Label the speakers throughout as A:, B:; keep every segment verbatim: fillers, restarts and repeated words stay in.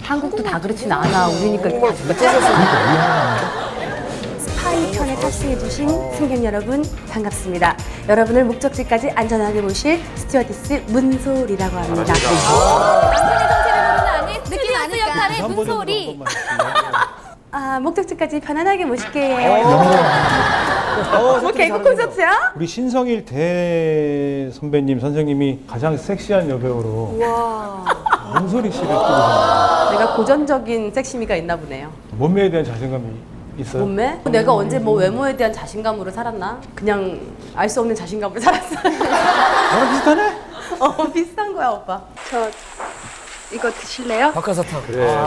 A: 한국도 다 그렇진 않아. 우리니까 이렇게 스파이 편에 탑승해주신 승객 여러분 반갑습니다. 여러분을 목적지까지 안전하게 모실 스튜어디스 문소리라고 합니다.
B: 남편의 정체를 모르는 아내 스튜어디스 역할의 문소리.
A: 아, 목적지까지 편안하게 모실게요. 뭐 개그 콘서트야?
C: 우리 신성일 대 선배님 선생님이 가장 섹시한 여배우로 문소리 씨를 끼고 계세요.
A: 내가 고전적인 섹시미가 있나 보네요.
C: 몸매에 대한 자신감이 있어요?
A: 몸매? 내가 언제 뭐 외모에 대한 자신감으로 살았나? 그냥 알 수 없는 자신감으로 살았어.
C: 나랑 비슷하네?
A: 어, 비슷한 거야, 오빠. 저 이거 드실래요?
D: 박하사탕.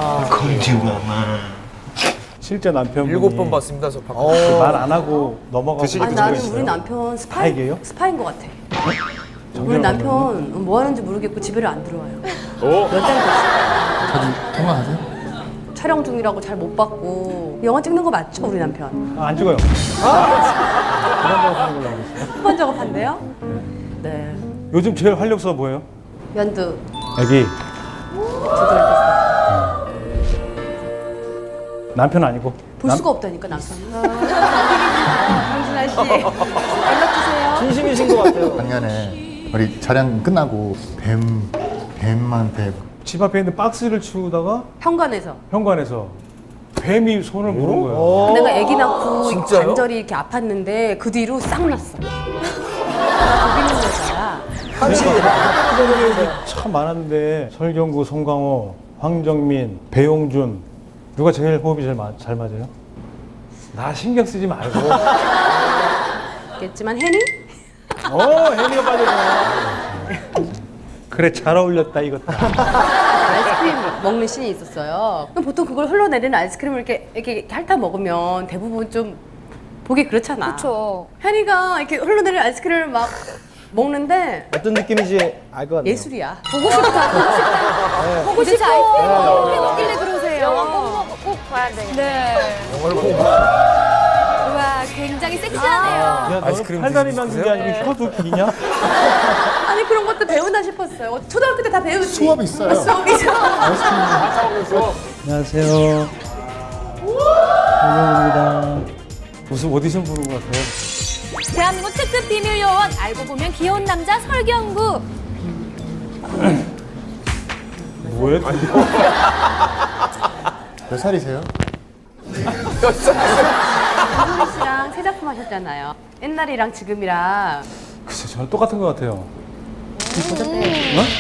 C: 실제 남편분이
D: 일곱 번 봤습니다, 저 박.
C: 말 안 하고 넘어가고
A: 아, 나는 우리 남편 스파이,
C: 스파이게요?
A: 스파인 것 같아. 우리 남편 뭐 하는지 모르겠고 집에를 안 들어와요. 몇 달 됐어.
E: 자주 통화하세요?
A: 촬영 중이라고 잘 못 봤고. 영화 찍는 거 맞죠, 우리 남편?
C: 아, 안 찍어요. 그런 거 하는 걸로 알고 있어요.
A: 후반 작업한대요? 네.
C: 요즘 제일 활력소 뭐예요?
A: 연두
C: 애기.
A: 두달 됐어.
C: 남편 아니고?
A: 볼
C: 남-
A: 수가 없다니까 남편이. 강진아 씨 연락 주세요.
D: 진심이신 것 같아요.
E: 작년에 우리 촬영 끝나고 뱀, 뱀한테
C: 집 앞에 있는 박스를 치우다가
A: 현관에서.
C: 현관에서 뱀이 손을 물은 거예요.
A: 내가 아기 낳고
D: 진짜요?
A: 관절이 이렇게 아팠는데 그 뒤로 싹 났어. 거기 있는 여자야.
C: 참 많았는데 설경구, 송강호, 황정민, 배용준 누가 제일 호흡이 제일 마, 잘 맞아요? 나 신경 쓰지 말고.
A: 겠지만 혜니?
C: 어, 혜미가 빠졌네. 그래, 잘 어울렸다 이것다.
A: 아이스크림 먹는 씬이 있었어요. 그럼 보통 그걸 흘러내리는 아이스크림을 이렇게 이렇게 핥아 먹으면 대부분 좀 보기 그렇잖아.
B: 그렇죠.
A: 혜니가 이렇게 흘러내리는 아이스크림을 막 먹는데
D: 어떤 느낌인지 알 것 같네요.
A: 예술이야.
B: 보고 싶다. 보고 싶다. 보고 싶어. 아이스크림 어떻게 먹길래 그러세요? 영화 꼭, 꼭 봐야 되겠네. 네.
D: 영화를 보고.
B: 와, 굉장히 섹시하네요.
C: 야, 너는
D: 아이스크림
C: 팔다리
D: 드시고
C: 만든 게 아니고 혀도 기냐?
A: 아니 그런 것도 배운다 싶었어요. 초등학교 때 다 배우지.
E: 수업이 있어요.
A: 아, 수업이 있어.
C: 안녕하세요. 설경구입니다. 무슨 오디션 부른 것 같아요?
B: 대한민국 특급 비밀 요원 알고 보면 귀여운 남자 설경구.
C: 뭐예요?
E: 몇 살이세요?
A: 김소리 씨랑 새 작품 하셨잖아요. 옛날이랑 지금이랑
C: 글쎄, 저는 똑같은 것 같아요.
A: 이쁘셨대.
C: 어?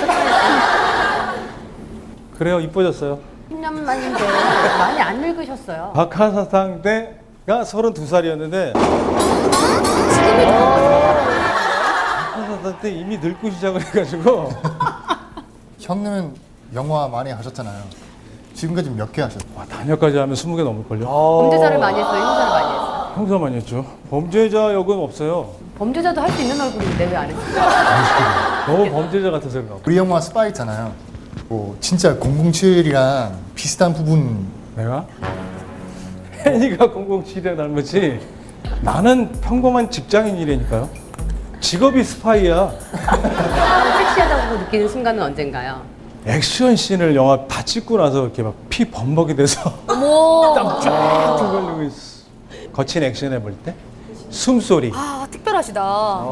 C: 그래요, 이뻐졌어요.
A: 십 년 만인데 많이 안 늙으셨어요.
C: 박하사탕 때가 서른두 살이었는데 박하사탕 때 이미 늙고 시작을 해가지고
E: 형님은 영화 많이 하셨잖아요. 지금까지 몇 개 하셨어요?
C: 와, 단역까지 하면 스무 개 넘을걸요?
A: 범죄자를 많이 했어요. 형사를 많이 했어요.
C: 형사 많이 했죠. 범죄자 역은 없어요.
A: 범죄자도 할 수 있는 얼굴인데 왜 안 했어요?
C: 너무 범죄자 같아서 그런가 봐.
E: 우리 영화 스파이 있잖아요. 뭐 진짜 공공칠이랑 비슷한 부분
C: 내가? 혜니가 공공칠이랑 닮았지 나는 평범한 직장인이라니까요. 직업이 스파이야.
A: 섹시하다고 느끼는 순간은 언젠가요?
C: 액션 씬을 영화 다 찍고 나서 이렇게 막 피 범벅이 돼서
B: 어머.
C: 땀쫙 흘리고 있어. 거친 액션 해볼 때 숨소리.
B: 아, 특별하시다.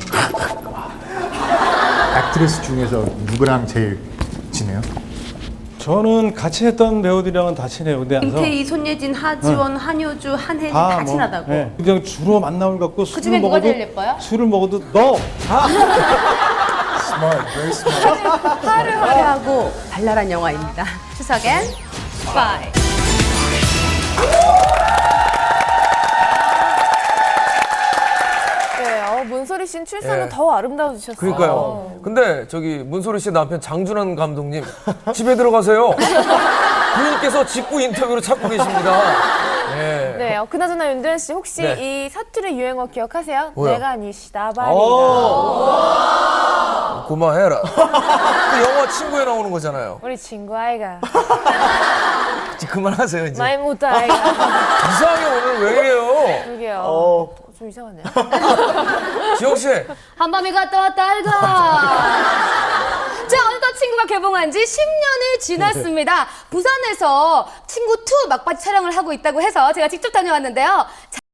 E: 액트리스 중에서 누구랑 제일 친해요?
C: 저는 같이 했던 배우들이랑은 다 친해요. 근데 나서
A: 김태희, 손예진, 하지원, 한효주, 한혜진
C: 다
A: 다
C: 뭐,
A: 친하다고.
C: 예, 그냥 주로 만남을 갖고
A: 그
C: 술을
A: 중에 누가
C: 먹어도
A: 제일 예뻐요?
C: 술을 먹어도 너.
E: Smart, very smart.
A: 화를 화려하고 발랄한 영화입니다. 추석엔 스파이.
B: 네, 어, 문소리 씨는 출산은
D: 예.
B: 더 아름다워지셨어요.
D: 그러니까요. 근데 저기 문소리 씨 남편 장준환 감독님 집에 들어가세요. 부인께서 직구 인터뷰로 찾고 계십니다. 예.
B: 네, 어, 그나저나 윤도현 씨 혹시
D: 네.
B: 이 사투리 유행어 기억하세요?
D: 뭐야?
B: 내가 니 시다바리다.
D: 오. 고마해라. 그 영화 친구에 나오는 거잖아요.
B: 우리 친구 아이가
D: 이제 그만하세요 이제.
B: 많이 못다 아이가.
D: 이상하게 오늘 왜 이래요?
B: 그러게요.
D: 어.
B: 좀 이상하네요.
D: 지영 씨.
B: 한밤이 갔다 왔다 아이가. 자, 오늘도 친구 영화가 개봉한 지 십 년이 지났습니다. 부산에서 친구 투 막바지 촬영을 하고 있다고 해서 제가 직접 다녀왔는데요.